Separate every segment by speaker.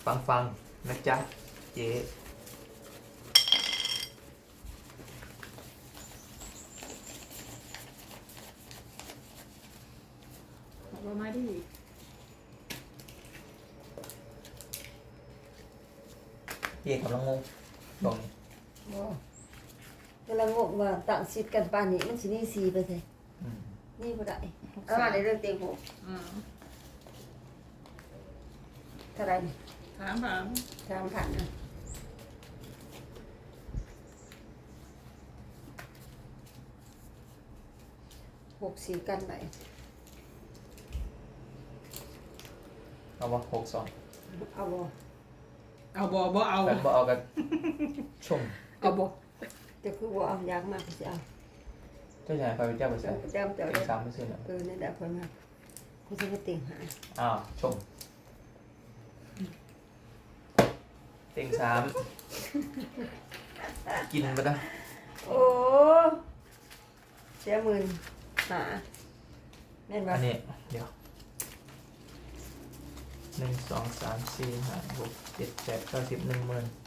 Speaker 1: ฟังนะจ๊ะเจ๊
Speaker 2: เอามาดิ
Speaker 1: เจ๊กำลังงงตรงนี้
Speaker 3: บ่กำลังงงว่าต่างสิทธิ์กันปานนี้มันสินี่4ไปไส
Speaker 1: อืม
Speaker 3: นี่บ่ได้เอามาในเรื่องเต็งหก
Speaker 2: อืม
Speaker 3: เท่าไหร่นี่
Speaker 2: ถามถาม
Speaker 3: 3,000นะ60กันไป
Speaker 1: เอาวะ62
Speaker 3: เอาบ่
Speaker 2: เอาบ่เอา
Speaker 1: กันบ่เอากันชม
Speaker 2: เอาบ่
Speaker 3: จะคือบ่เอาอยากมากก็สิเอา
Speaker 1: เจ้าชายไปเจ้าไปใส่
Speaker 3: จำเจ้า
Speaker 1: เต็
Speaker 3: ได้
Speaker 1: ง3ไม่ซื้อเนาะ
Speaker 3: นั่นแหละเพิ่นมากูสิไปเต็งหา
Speaker 1: อ้าวชมเต็ง3กินไปนะ
Speaker 3: โอ้เสียหมื่นหาแม่นบ่
Speaker 1: อันนี้เดี๋ยว1 2 3 4 5 6 7 8 9 10 10,000 1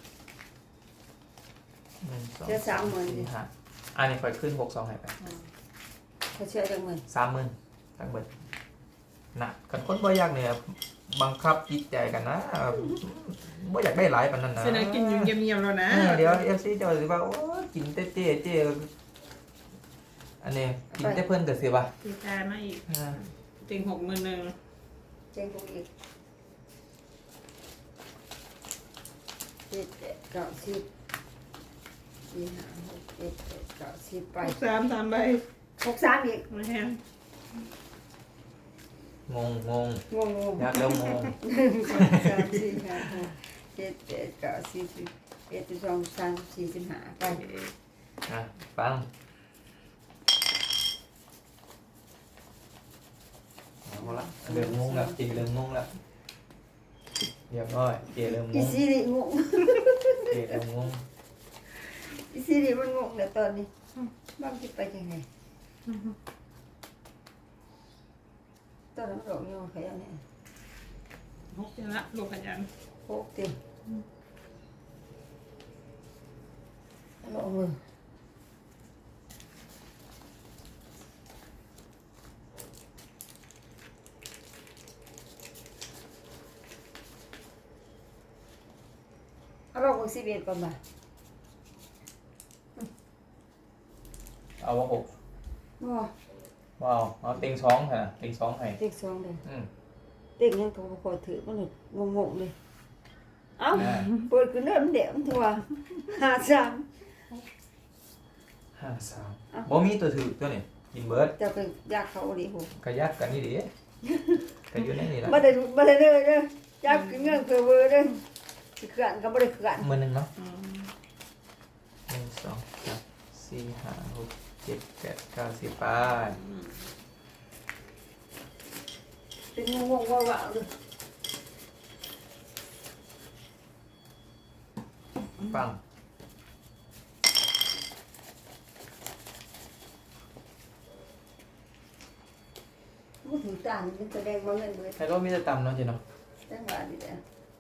Speaker 1: 2 3 4 5อันนี้ค่อยขึ้น62ให้ไป
Speaker 3: เขาเชื่อจังหมื่น
Speaker 1: 30,000ทั้งเบิดน่ะกันคนบ่อยากเนี่ยบังคับจิตใจกันนะบ่อยากได้หลายปานนั้นนะ
Speaker 2: เสนอกินอยู่เงียบๆแล้วนะ
Speaker 1: เดี๋ยว FC เจ้าสิว่าโอ้ยกินแต่เจ๊อันนี้กินแต่เพิ่นก็สิว่า
Speaker 2: ตีตามาอีกเต็ง60,000
Speaker 3: เจ๊งกูอีก7 8 9 10 4 5 6 7 8 9 10ไป
Speaker 2: 63 3ใบ
Speaker 3: 63อีก
Speaker 2: มาแฮม
Speaker 1: งง
Speaker 3: งง
Speaker 1: อยากเริ่มงง
Speaker 3: 1 2 3 4 5 6 7 8 9 10 11 12 13 14 15ไป
Speaker 1: อ่ะฟังเอาละเริ่มงงแล้วเจเริ่มงงแล้วเรียบร้อยเจเริ่มง
Speaker 3: อี
Speaker 1: ง
Speaker 3: ซีรีงง
Speaker 1: เจเริ่มงง
Speaker 3: อีซีรีมันงงแล้วตอนนี้บ้างคิดไปยังไงตอนนั้นมันหลงโยนใครอันนี้
Speaker 2: 6จังละลูกขยัน
Speaker 3: โคกเต็มหลงมือเอาลงมือ11ก่อนมา
Speaker 1: เอาว่าหก
Speaker 3: บ่
Speaker 1: ว้าวเอาเต็งสองค่ะเต็งสองให้
Speaker 3: เต็กสองเลย
Speaker 1: อืม
Speaker 3: เต็กยังโทรคอยถือมันเลยงงๆเลยเอ้า
Speaker 1: อ่า
Speaker 3: เปิดขึ้นเริ่มเดี๋ยวมันทัว53
Speaker 1: 53บ่มีตัวถือตัวนี้กินเบิร์ด
Speaker 3: จะไปยากเขาดิผม
Speaker 1: กระยักกันนี่ดิก็อยู่ในนี่ละ
Speaker 3: บ่ได้เลยเด้อจับกินเงินเพื่อเวอร์เด้อสิเขื่อนก็บ่ได้เขื่อน
Speaker 1: มือหนึ่งเนาะ
Speaker 2: อืม
Speaker 1: 1 2 3 4 5 6 7 8 9 10ไป
Speaker 3: เป็นงงๆว่าๆเลย
Speaker 1: ฟัง
Speaker 3: บ่ถือตานี่มันแสดงว่าเงินเบิด
Speaker 1: ไฮโลมีแต่ต่ำเนาะเจ๊เนาะ
Speaker 3: จังหวะนี่แหละ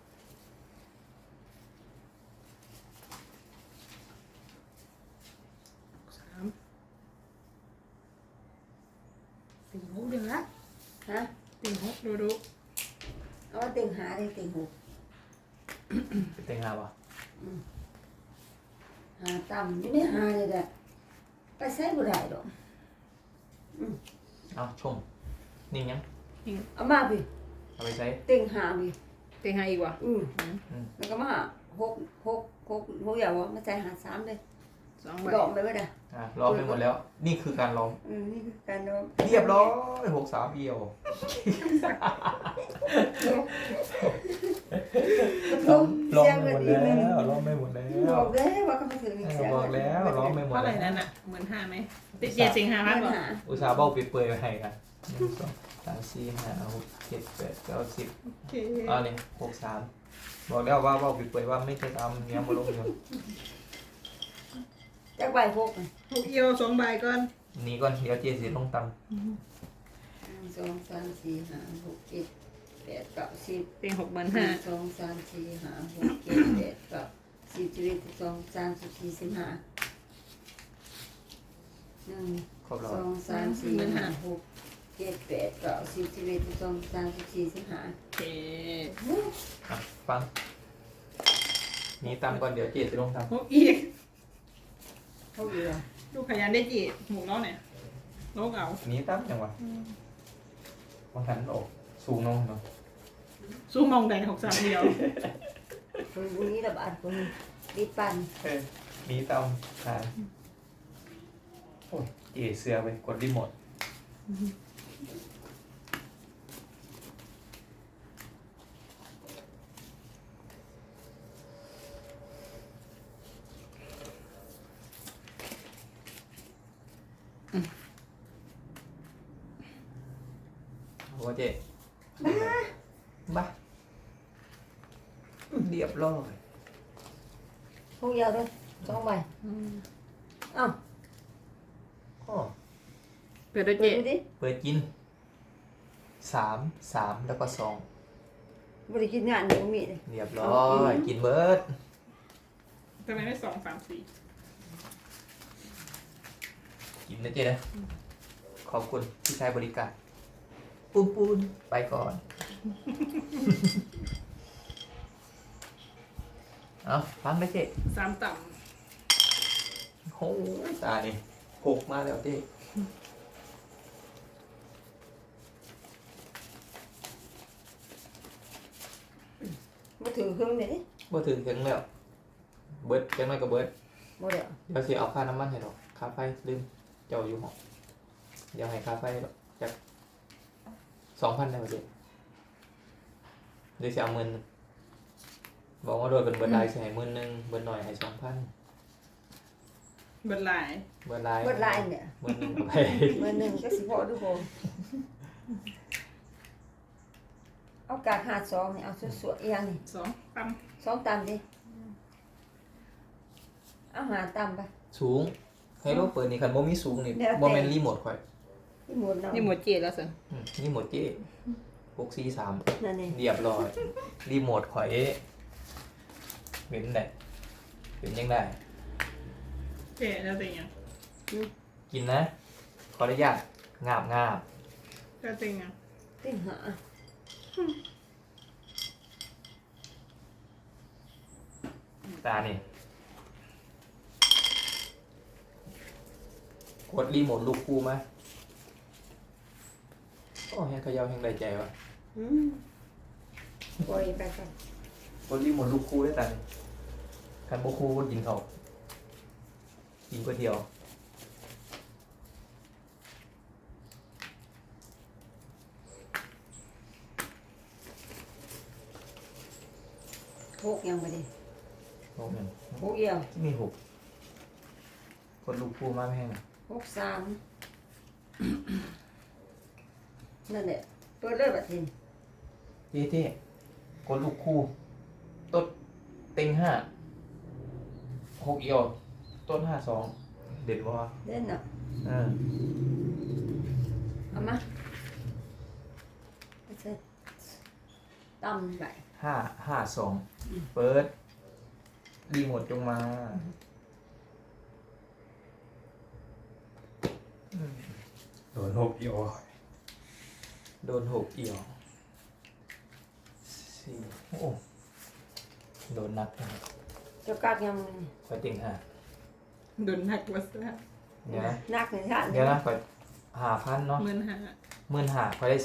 Speaker 2: 3เต็ง6เดือนละ
Speaker 3: ฮะ
Speaker 2: เต็ง6ดู
Speaker 3: เอามาเต็งหาได้เต็งหก
Speaker 1: เป็นเต็งหาป่ะ
Speaker 3: หาต่ำอยู่ในหานี่แหละไปใช้บ่ได้ดอก
Speaker 1: เอาชมนิ่งยัง
Speaker 3: เอามาพี่
Speaker 1: เอาไปใช้
Speaker 3: เต็งหาพี่
Speaker 2: เต็ง5อีกว่ะ
Speaker 3: แล้วก็มาหาหกอย่างว่ามาใส่หา3เลย
Speaker 2: 2ใบ
Speaker 3: ดอกไปบ่ได้
Speaker 1: รอไปหมดแล้ว นี่คือการลอง
Speaker 3: นี่คือการดอก
Speaker 1: เรียบร้อย63เอียวลองไม่หมดแล้วลองไม่หมดแล้
Speaker 3: บ
Speaker 1: ว
Speaker 3: อกแล้วว่าเขามาถือเสียง
Speaker 1: บอกแล้วลองไม่หมด
Speaker 2: เท่าไหร่
Speaker 1: แล้ว
Speaker 2: นั่นน่ะ15,000มั้ยติด7สิงหาพันบ่
Speaker 1: อุตส่าห์เบ้าเปื่อยๆไปให้กัน1 2 3 4 5 6 7 8 9 10
Speaker 2: โอเค
Speaker 1: อันนี้63บอกแล้วว่าเบ้าเปื่อยๆว่าไม่ใช่ตามเนี้ยมาลงอยู่
Speaker 3: จักใบพก
Speaker 2: 6เอียว2ใบก่อน
Speaker 1: นี่ก่อนเดี๋ยวเจสีลงตำ
Speaker 3: 1 2 3 4 5 6 7 แปดเก้าสิบ
Speaker 2: เต็งหกหมื่น
Speaker 3: หนึ่
Speaker 2: ห้าง
Speaker 3: สองสามสี่ห้าหกเจ็ดแปดเก้าสิบ11 12 13 14 15หนึ่ง
Speaker 1: ครบแล้ว
Speaker 3: สองสามสี่ห้าหกเจ็ดแปดเก้าสิบ11 12 13 14 15
Speaker 2: โอเค
Speaker 1: อ่ะฟังนี่ตามก่อนเดี๋ยวเจจะลงท
Speaker 2: หกอีก
Speaker 3: เท่าเดียว
Speaker 2: ลูกขยันได้จีหมูน้องเนี่ยโลกเอา
Speaker 1: ำนี่ตามจังหวะบางทันออกสูงน้องเนาะ
Speaker 2: สู้มองแดงหกสามเดียว
Speaker 3: คนพวกนี้ระบาดคนรีบปั่น
Speaker 1: นี่ตามหาโอ้ยเจเสือไปกดรีโมทโอ้เจบ้าเรียบร้อย
Speaker 3: พวกเดียวด้วย2 ใบเอ้า
Speaker 1: อ๋อ
Speaker 2: เปิดด้วย
Speaker 3: เปิ
Speaker 2: เจ
Speaker 3: ดดูดิ
Speaker 1: เปิดกิน3 แล้วก็2
Speaker 3: บริกินงานเดี๋ยวมีเลย
Speaker 1: เรียบร้อยกินเบิร์ด
Speaker 2: ทำไมไม่2 3 4
Speaker 1: กินนะเจ๊นะขอบคุณที่ใช้บริการปูนปูนไปก่อน เอาฟังนะเจ๊
Speaker 2: 3 ต่
Speaker 1: โอ้ยตานี่หกมาแล้วเจ๊
Speaker 3: มาถือเครื่องเลยดิ
Speaker 1: บ่ถึงถึงแล้วเบิร์ดจังไม่ก็เบิร์ด
Speaker 3: บ่เดี๋ยว
Speaker 1: เดี๋ยวสิเอาค่าน้ำมันให้ดอกค่าไฟลืมเจ้าอยู่ห้องเดี๋ยวให้ค่าไฟดอกจาก2,000ได้ป่ะเจ๊เดี๋ยวสิเอา10,000บอกว่าโดยเป็นเบิร์ดได้สิให้10,000เบิร์ดหน่อยให้2,000
Speaker 2: ำเบิดหลาย
Speaker 1: เบิร์ดไลน์
Speaker 3: เบิดลายเนี่ย
Speaker 1: 10,000เอาไป
Speaker 3: เบอร์หนึ่งก็สิพอดูบ่เอากาด52นี่เอาสวยๆอีหยังนี่
Speaker 2: 2 ต่
Speaker 3: 2ตามดิเอาหาตามไป
Speaker 1: สูงให้โลกเปิดนี่คันบ่มีสูงนี่
Speaker 3: แล้วแต่
Speaker 1: บ่แม่นรีโมทข่อย
Speaker 3: นี่หมดเนาะ
Speaker 2: ำนี่หมดเจแล้วสิ
Speaker 1: รีโมทเจ๊643
Speaker 3: นั่นนี่
Speaker 1: เรียบร้อยรีโมทข่อยเป็นได้เป็นยังได้
Speaker 2: เจแล้วเป็นยัง
Speaker 1: กินนะขออนุญาตงาบงาบ
Speaker 2: ก็เป็นยัง
Speaker 3: ติ่งหา
Speaker 1: ตานี่กดรีโมทลูกคู่มาโอ้แฮงเขยาวแฮงได้ใจวะ
Speaker 3: ปล่อยไปก่อน
Speaker 1: กดรีโมทลูกคู่ได้ตานี่คันบ่คู่ก็กินเขากินก๋วยเตี๋ยว
Speaker 3: หกยังไม่ได้
Speaker 1: โอ้แม่น
Speaker 3: หกเอียว
Speaker 1: มีหกกดลูกคู่มาไม่แห้งน่ะ
Speaker 3: 63นั่นแหละเปิดเลยบัดนี้
Speaker 1: เท่ๆกดลูกคู่ต้นเต็ง5 6เอียวต้น52เด็ดบ่วะ
Speaker 3: เล่นเนาะ เอามาเอาเสร็จตำไป
Speaker 1: 552เปิดรีโมทจงมาโดน6เอียวโดน6เอียวสี่โอ้โดนนักนะครับ
Speaker 3: เจ้ากากยังนี่
Speaker 1: ไปเต็ง5
Speaker 2: โดนหนักวัสดุ
Speaker 1: เดี๋ยวนะ
Speaker 3: นักในชาติ
Speaker 1: เดี๋ยวนะไป5,000เนาะ
Speaker 2: 15,000
Speaker 1: 15,000เขาได้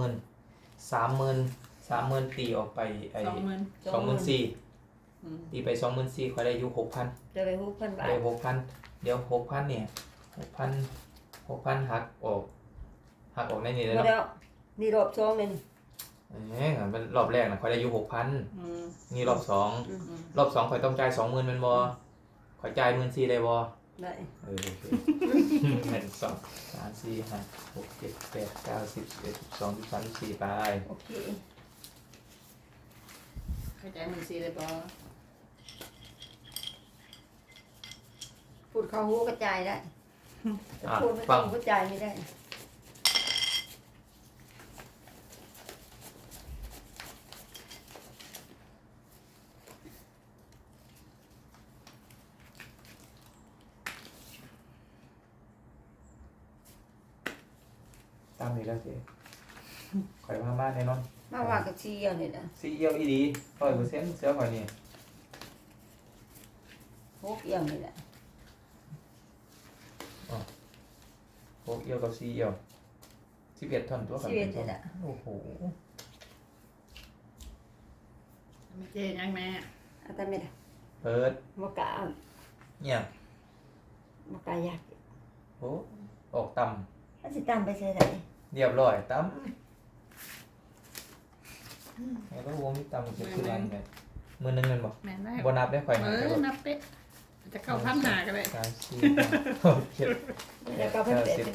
Speaker 1: 30,000ตีออกไปไอ้
Speaker 2: 20,000
Speaker 1: 24,000ตีไป24,000เขาได้อยู่6,000
Speaker 3: จะไป6,000 บาท
Speaker 1: ได้6,000เดี๋ยว6,000เนี่ย6,000หักออกในนี้เลย
Speaker 3: บ่
Speaker 1: เนาะ
Speaker 3: ได้นี่รอบสองเลยนี่
Speaker 1: มันรอบแรกนะเขาได้อยู่6,000
Speaker 2: อืม
Speaker 1: นี่รอบ2
Speaker 3: อืม
Speaker 1: รอบ2ข่อยต้องจ่าย20,000แม่นบ่ข่อยจ่าย14,000ได้บ่
Speaker 3: ได้
Speaker 1: โอเค1 2 3 4 5 6 7 8 9 10 11 12 13 14ไป
Speaker 3: โอเค
Speaker 2: เข้าใจมันสิเลยบ่
Speaker 3: พูดเข้าหูกระจายได้
Speaker 1: อ่ะ
Speaker 3: พูดไม่
Speaker 1: ฟั
Speaker 3: ต้อง งกระจายไม่ได้
Speaker 1: อีกแล้วเจ๊ข่อยมาบ้านแน่นอน
Speaker 3: มาว่ากับซีเอียวนี่นะ
Speaker 1: ซีเอียวอีดี100%เสือข่อยนี่
Speaker 3: หกเอียวนี่แหละ
Speaker 1: พวกเอียวกับซีเอียว11ท่อนตัวกัน
Speaker 3: ชีวิตนี่แหละ
Speaker 1: โอ้โห
Speaker 2: ไม่เจ๊ยังแม่
Speaker 3: อาตาไม่ได้
Speaker 1: เปิด
Speaker 3: มกะ
Speaker 1: เนี่ย
Speaker 3: มกะยาก
Speaker 1: โอ้ออกต่
Speaker 3: มันสิตามไปใส่ไหน
Speaker 1: ำเรียบร้อยต่ำแล้วก็วงที่ต่ำจะคืออะไรเนี่ยมือหนึงเงินบอก
Speaker 2: แม่ได้
Speaker 1: บนับได้ข่อยหา
Speaker 2: นับเป๊ะจะเข้าพันหากันเลย
Speaker 1: 3 4 5 6 7
Speaker 3: แล้วก็เพิ่มเป็ด
Speaker 1: 10ไป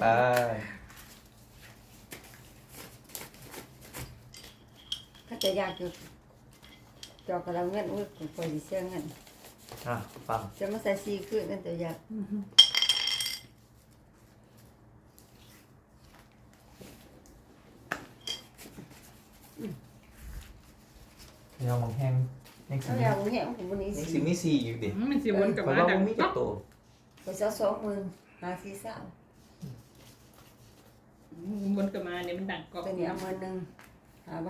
Speaker 3: ถ้าจะยากอยู่จอกกับเราเงินอุ้ยกูคอยสิเสียเงิน
Speaker 1: อ่ะฟัง
Speaker 3: จะมาใส่ซีขึ้นนั่นจะยาก
Speaker 1: เดี๋ยวมองแห้งยังสิ
Speaker 3: เอา
Speaker 1: มี
Speaker 3: อย่างนี้ผมวันนี้
Speaker 1: ยัง
Speaker 3: สิ
Speaker 1: สิมี4อยู่ดิ
Speaker 2: มันสิวนกลับ
Speaker 1: ข่อย
Speaker 2: มา
Speaker 1: ว่า
Speaker 2: ดั
Speaker 1: บ่
Speaker 2: ง
Speaker 1: มีจักโต
Speaker 3: ไปเสีย20,000หาซีซ่า
Speaker 2: วนกลับมาเนี่ยมันดังกรอบ
Speaker 3: ตัวนี้เอามาหนึ่งหาใบ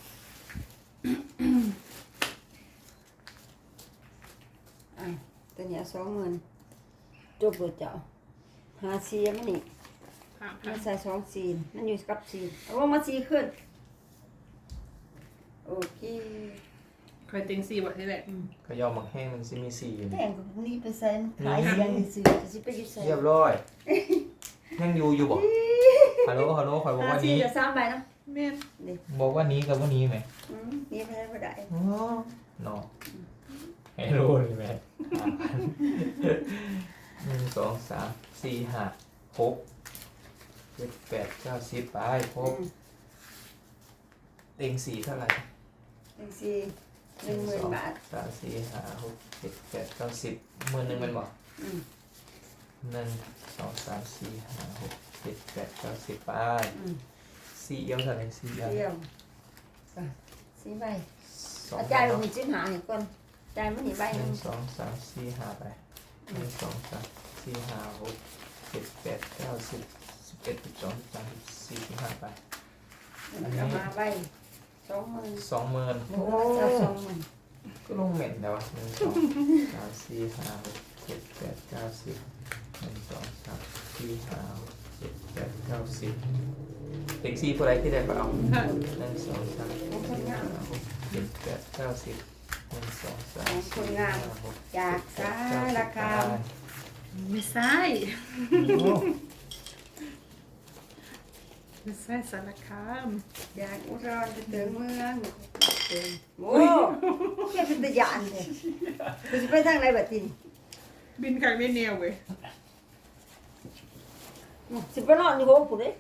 Speaker 3: อ่ะตัวนี้เอา20,000จบเลยเจ้าหาซีมันนี่
Speaker 2: ผ่า
Speaker 3: มันใส่2ซีนมันอยู่กับซีนเอาว่ามาซีขึ้นโอเค
Speaker 2: เคยติงสี่บทที่แหละ
Speaker 1: ก็ยอมมองแห้งมันสิมี4อยู่
Speaker 3: แต่
Speaker 1: นี่
Speaker 3: งกับพวกนี้ไปใส่ขายเสียงซื้อจะสิไปอยู่ใส่
Speaker 1: เรียบร้อยยังอยู่บ่ฮัลโหลฮัลโหลข่อยบอก
Speaker 3: หา
Speaker 1: ว่า
Speaker 3: ซี
Speaker 1: นี้
Speaker 3: จะ3ใบเนาะ
Speaker 2: แม่
Speaker 3: นี่
Speaker 1: บอกว่านี้กับว่านี้ไหม
Speaker 3: นี่ไปได้บ่ได้
Speaker 1: อ๋อเนาะให้รู้เลยไหม1 2 3 4 5 6 7 8 9 10ไปครบเต็ง4เท่าไหร่
Speaker 3: จังซี่10,000 บาท
Speaker 1: 3 4 5 6 7 8 9 10มือหนึ่งเป็นบ่
Speaker 3: อืม
Speaker 1: 1 2 3 4 5 6 7 8 9 10ไป
Speaker 3: อืม
Speaker 1: 4เอียวเท่าไหร่4เอียว
Speaker 3: เดียวอ่ะ4ใบ
Speaker 1: 2
Speaker 3: อาจารย์มีจิ้นหาให้ก่อนจ่ายมันนี่ใบหนึง
Speaker 1: 1 2 3 4 5ไป1 2 3 4 5 6 7 8 9 10 11 12 13 14 15ไป
Speaker 3: เอามาใบ20,000
Speaker 1: 20,000
Speaker 3: โอ้20,000
Speaker 1: ก็ลงเหม็นแล้ว1 2 3 4 5 6 7 8 9 10 1 2 3 4 5 6 7 8 9 10เต็ง4ผู้ใดที่ได้ก็เอา1 2 3 4 5 6 7 8 9 10 1 2 3 4 5 6
Speaker 3: จากสารคาม
Speaker 2: ไม่ใช่ไม่ใช่สารคาม
Speaker 3: จากอุดรไปถึงเมืองโอ้แค่เป็นตะยานเลยคุณจะไปทางไหนบัดนี้
Speaker 2: บินขังไม่แนวเว้ย
Speaker 3: สิไปนอนอยู่โฮมผมเลย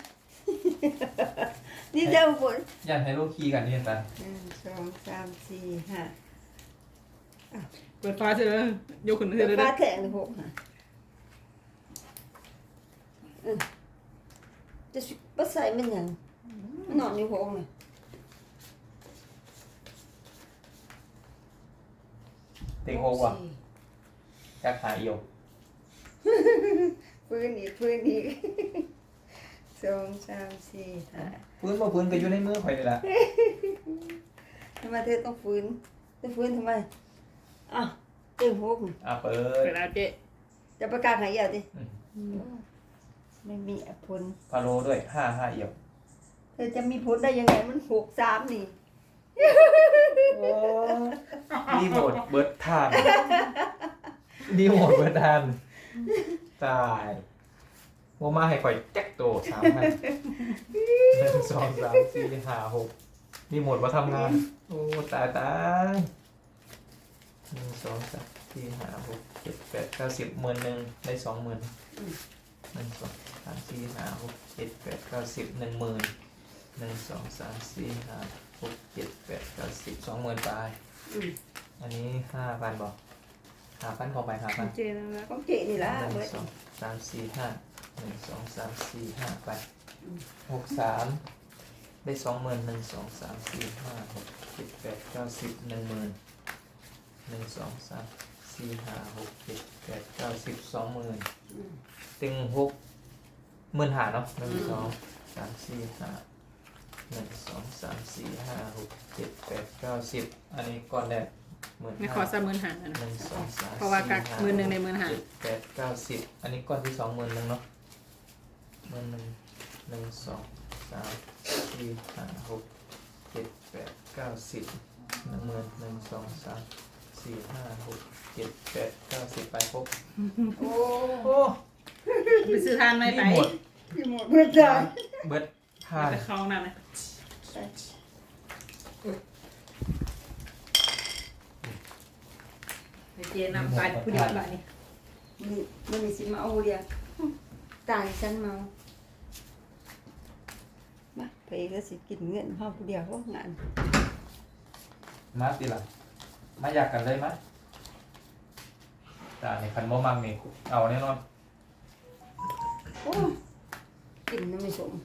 Speaker 3: นี่เจ้าผม
Speaker 1: ยันให้ลูกขี่กันนี่นะ
Speaker 3: 1 2 3 4 5
Speaker 2: เปิดฟ้าเสร็จแล้วยกขึ้นเสร็จแล้ว
Speaker 3: ฟ้า
Speaker 2: นะ
Speaker 3: แทงเลยผมจะไปใส่มันยังมันนอนอยู่โฮมเลย
Speaker 1: เต็งโฮว่ะจักหาเอียว
Speaker 3: ฟื้นอีก2 3 4 5
Speaker 1: พื้นบ่พื้นก็อยู่ในมือข่อยนี่ล่ะ
Speaker 3: ทำไมเธอต้องฟื้นทำไมอ่ะเต็งโฮม
Speaker 1: เปิ
Speaker 2: เปิ
Speaker 1: ด
Speaker 2: ดแล้วเจ๊
Speaker 3: จะประกาศหายเหี่ยวดิ
Speaker 2: อืม
Speaker 3: ไม่มีผล
Speaker 1: พาโลด้วย5เอียว
Speaker 3: เธอจะมีผลได้ยังไงมัน63นี่
Speaker 1: รีโมทเบิร์ดทานรีโมทเบิร์ดทานตายโมมาให้ข่อยแจ็คโต3,000 1 2 3 4 5 6รีโมทมาทำงานโอ้ตาย1 2 3 4 5 6 7 8 9 10หมื่นหนึ่งได้20,000 1 2 3 4 5 6 7 8 9 10 10,000 1 2 3 4 5 6 7 8 9 10 20,000ไป
Speaker 3: อืม
Speaker 1: อันนี้5,000บอก5,000ของไป5,000
Speaker 2: เจ๊นะ
Speaker 3: ของเจนี่ละเบิด
Speaker 1: 1 2 3 4 5 1 2 3 4 5ไป63ได้20,000 1 2 3 4 5 6 7 8 9 10 10,000 1 2 3 4 5 6 7 8 9 10 20,000
Speaker 3: อืม
Speaker 1: ตึง6 15,000เนาะ1 2 สามสี่ห้าหนึ่งสองสามสี่ห้าหกเจ็ดแปดเก้าสิบอันนี้ก่อนแรก15,000
Speaker 2: ไม่ขอสามหมื่นหา
Speaker 1: ห
Speaker 2: นะ
Speaker 1: นึ่งสองสาม
Speaker 2: เพราะว่ากัก
Speaker 1: สี่
Speaker 2: หมื่นหนึ่งในหมื่นห้า
Speaker 1: เจ็ดแปดเก้าสิบอันนี้ก้อนที่สอง10,000เนาะ10,000หนึ่งสองสามสี่ห้าหกเจ็ดแปดเก้าสิบ10,000หนึ่งสองสามสี่ห้าหกเจ็ดแปดเก้าสิบไปครบ
Speaker 3: โอ้
Speaker 1: โอ้
Speaker 2: ไปซื้อทานไม่ไป
Speaker 1: หมด
Speaker 3: พี่หมดเมื่อไหร่
Speaker 1: เบิดทาน
Speaker 2: ไปเข้าห้องน้ำนะไปเจนำไปผู้เดียวแบบนี้
Speaker 3: มันมีสิมาเอาเดียวตายฉันเมามาไปก็สิกินเงินห้องผู้เดียวก็งาน
Speaker 1: มาตีละมาอยากกันเลยมั้ยแต่ในคันบ่มังนี่เอาแน่นอน
Speaker 3: โอ้กินน้ำไม่สม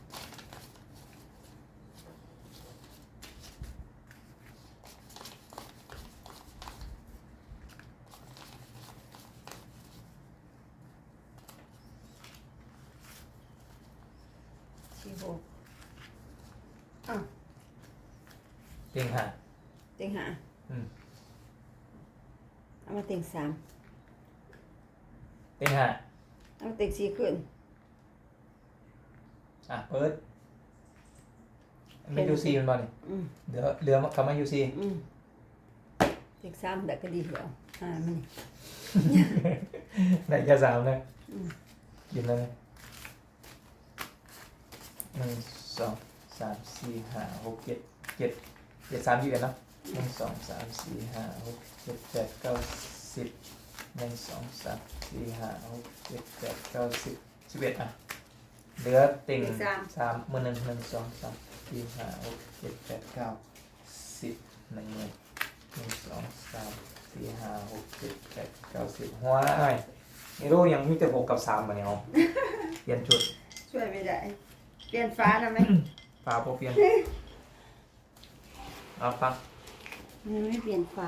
Speaker 3: สี่หกอ้าว
Speaker 1: จริงค่ะ
Speaker 3: เต็งหา
Speaker 1: อืม
Speaker 3: เอามาเต็งสาม
Speaker 1: จริงค่ะ
Speaker 3: เอามาเต็งสี่ขึ้น
Speaker 1: อ่ะเปิดไม่ยูซีมันบ่นี่
Speaker 3: อืม
Speaker 1: เดี๋ยวเรือคำว่ายูซี
Speaker 3: อืมเต็งสามแต่ก็ดีแล้วมันนี่
Speaker 1: ได้แค่สามเลย
Speaker 3: อืม
Speaker 1: กินแล้วเลยหนึ่งสองสามสี่ห้าหกเจ็ด3 21เนาะหนึ่งสองสามสี่ห้าหกเจ็ดแปดเก้าสิบหนึ่งสองสามสี่ห้าหกเจ็ดแปดเก้าสิบ11อ่ะเหลือติ่งสามมือหนึ่งหนึ่งสองสามสี่ห้าหกเจ็ดแปดเก้าสิบหนึ่งหมื่นหนึ่งสองสามสี่ห้าหกเจ็ดแปดเก้าสิบว้ายนี่รู้ยังมีแต่6 กับ 3มาเนี่ยเอาเปลี่ยนชุด
Speaker 3: ช่วยไม่ได้เปลี่ยนฟ้านะไหม
Speaker 1: ฟ้าโปรเปลี่ยนเอาฟัง
Speaker 3: มันไม่เปลี่ยนฟ้า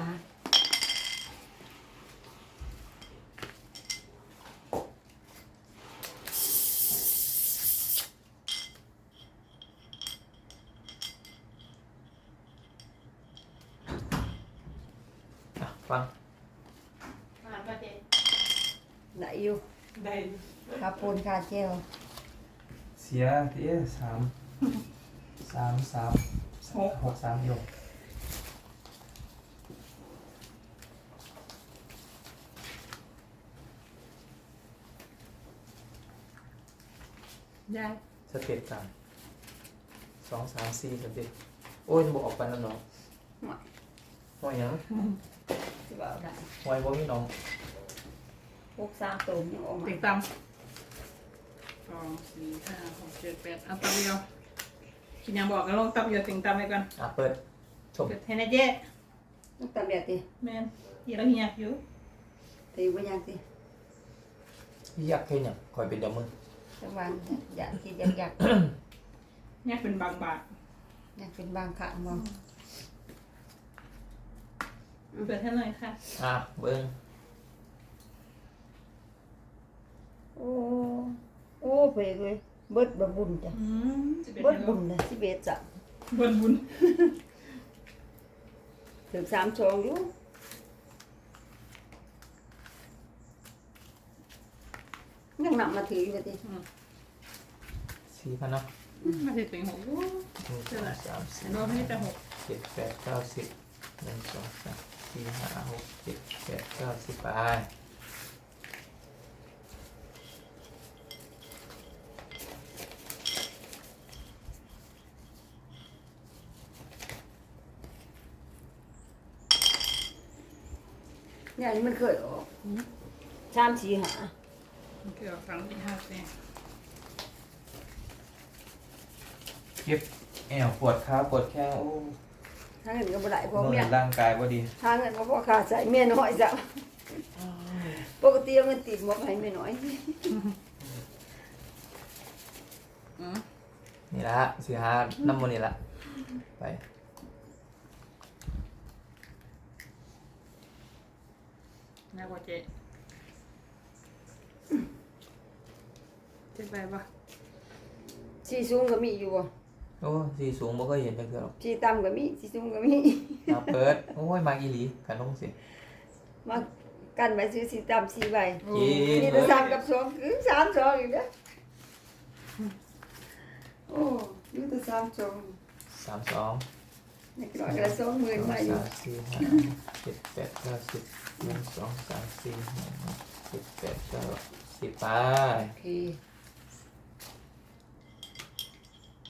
Speaker 1: อ่ะฟัง
Speaker 2: มาประเจน
Speaker 3: ไหนอยู่
Speaker 2: ได้
Speaker 3: คาปูนคาเจล
Speaker 1: เสียเตี้ย6 3อยู่
Speaker 2: ได้
Speaker 1: สเต็ปกัน2 3 4สเต็ปโอ้ยบอกออกไปแล้วเนาะ
Speaker 3: หน่อย
Speaker 1: ว่าหยัง
Speaker 3: ที่ว่าเอาได้
Speaker 1: ไว้บ่มีน้อง
Speaker 3: พวกสามตัวยังออกมา
Speaker 2: ติดตำ2 4 5 6 7 8เอาตำเดียวกินยังบอกกันลงตำเดียวติ่งตำไปก่อน
Speaker 1: อ่ะเปิดชม
Speaker 2: เกิดให้นะเจ๊
Speaker 3: ต้องตามแบบตี
Speaker 2: แมนเฮียแล้วเฮียอยู่
Speaker 3: ตีว่ายังตี
Speaker 1: อยากแค่หยังคอยเป็นเดยวมือ
Speaker 3: จังหวะอยากที่อยาก
Speaker 2: เนี่ยเป็นบางบาท
Speaker 3: อยากเป็นบางขางมอง
Speaker 2: เปิดให้หน่อยค่ะ
Speaker 1: อ่ะเบิ่ง
Speaker 3: โอ้โอ้เพลเลยเบิดบะบุญจ้ะ
Speaker 2: จะเป็น
Speaker 3: เบิด
Speaker 2: ให้
Speaker 3: บุญเลยสิเบ็ดจ้ะ
Speaker 2: บนบุญ
Speaker 3: ถึง3 ช่องอยู่ยังนำมาถืออยู่ตี
Speaker 1: 4,000เนาะ
Speaker 2: มาถึงถึงหก
Speaker 1: 1 2 3 4
Speaker 2: รอบนี้จะหก
Speaker 1: 7 8 9 10 1 2 3 4 5 6 7 8 9 10ไป
Speaker 3: เนี่ยนี่มันเคยออก3 4 5
Speaker 2: เกือบฟังที่ห้าเซน
Speaker 1: เก็บแอวปวดขาปวดแข้งโอ้
Speaker 3: ถ้าเงินก็บ่ได้พอ
Speaker 1: เมื่
Speaker 3: เมีย
Speaker 1: อยร่างกายบ่ดี
Speaker 3: ถ้าเงินก็พอขาดใส่เมียน้อยจ้ะปกติเอาเงินติดหมกให้เมียน้อย
Speaker 1: นี่ละสิหาน้ำมันนี่ละไป
Speaker 2: น่ากว่าเจ๊เจ๊ไปปะ
Speaker 3: 10 สีสูงก็มีอยู่บ่
Speaker 1: โอ้สีสูงบ่ก็เห็นจังเทื่อหรอก
Speaker 3: สีต่ำก็มีสีสูงก็มี
Speaker 1: เอาเปิดโอ้ยมาอีหลีกันลงสิ
Speaker 3: มากันไว้ซื้อสีต่ำสีใบ
Speaker 1: กิน
Speaker 3: มีแต่สามกับสองคือสามสองอีกเด้อโอ้มีแต่สามสอง
Speaker 1: 32
Speaker 3: นี่ก็กระ20,000มาอยู่
Speaker 1: 3 4 5 7 8 9 10 1 2 3 4 5 6 7 8 9 10ไป
Speaker 3: โอเค